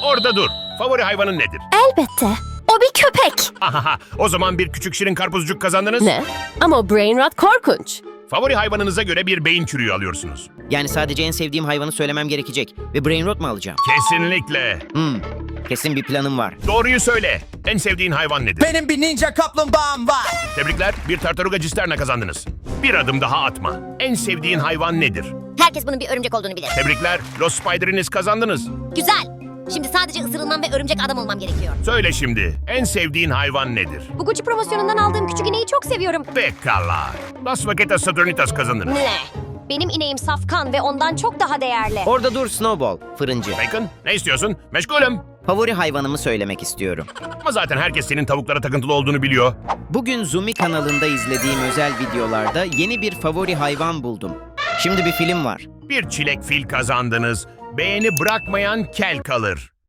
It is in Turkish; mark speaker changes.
Speaker 1: Orada dur. Favori hayvanın nedir?
Speaker 2: Elbette. O bir köpek.
Speaker 1: Ahaha, o zaman bir küçük şirin karpuzcuk kazandınız.
Speaker 2: Ne? Ama o brain rot korkunç.
Speaker 1: Favori hayvanınıza göre bir beyin çürüğü alıyorsunuz.
Speaker 3: Yani sadece en sevdiğim hayvanı söylemem gerekecek. Ve brain rot mu alacağım?
Speaker 1: Kesinlikle.
Speaker 3: Kesin bir planım var.
Speaker 1: Doğruyu söyle. En sevdiğin hayvan nedir?
Speaker 4: Benim bir ninja kaplumbağam var.
Speaker 1: Tebrikler, bir tartaruga cisterna kazandınız. Bir adım daha atma. En sevdiğin hayvan nedir?
Speaker 5: Herkes bunun bir örümcek olduğunu bilir.
Speaker 1: Tebrikler, Los Spider'iniz kazandınız.
Speaker 5: Güzel. Şimdi sadece ısırılmam ve örümcek adam olmam gerekiyor.
Speaker 1: Söyle şimdi, en sevdiğin hayvan nedir?
Speaker 5: Bu Gucci promosyonundan aldığım küçük ineği çok seviyorum.
Speaker 1: Pekala. Las Vaquetas Saturnitas kazandınız.
Speaker 5: Ne? Benim ineğim safkan ve ondan çok daha değerli.
Speaker 3: Orada dur Snowball, fırıncı.
Speaker 1: Bacon, ne istiyorsun? Meşgulüm.
Speaker 3: Favori hayvanımı söylemek istiyorum.
Speaker 1: Ama zaten herkes senin tavuklara takıntılı olduğunu biliyor.
Speaker 3: Bugün Zumi kanalında izlediğim özel videolarda yeni bir favori hayvan buldum. Şimdi bir film var.
Speaker 1: Bir çilek fil kazandınız. Beğeni bırakmayan kel kalır.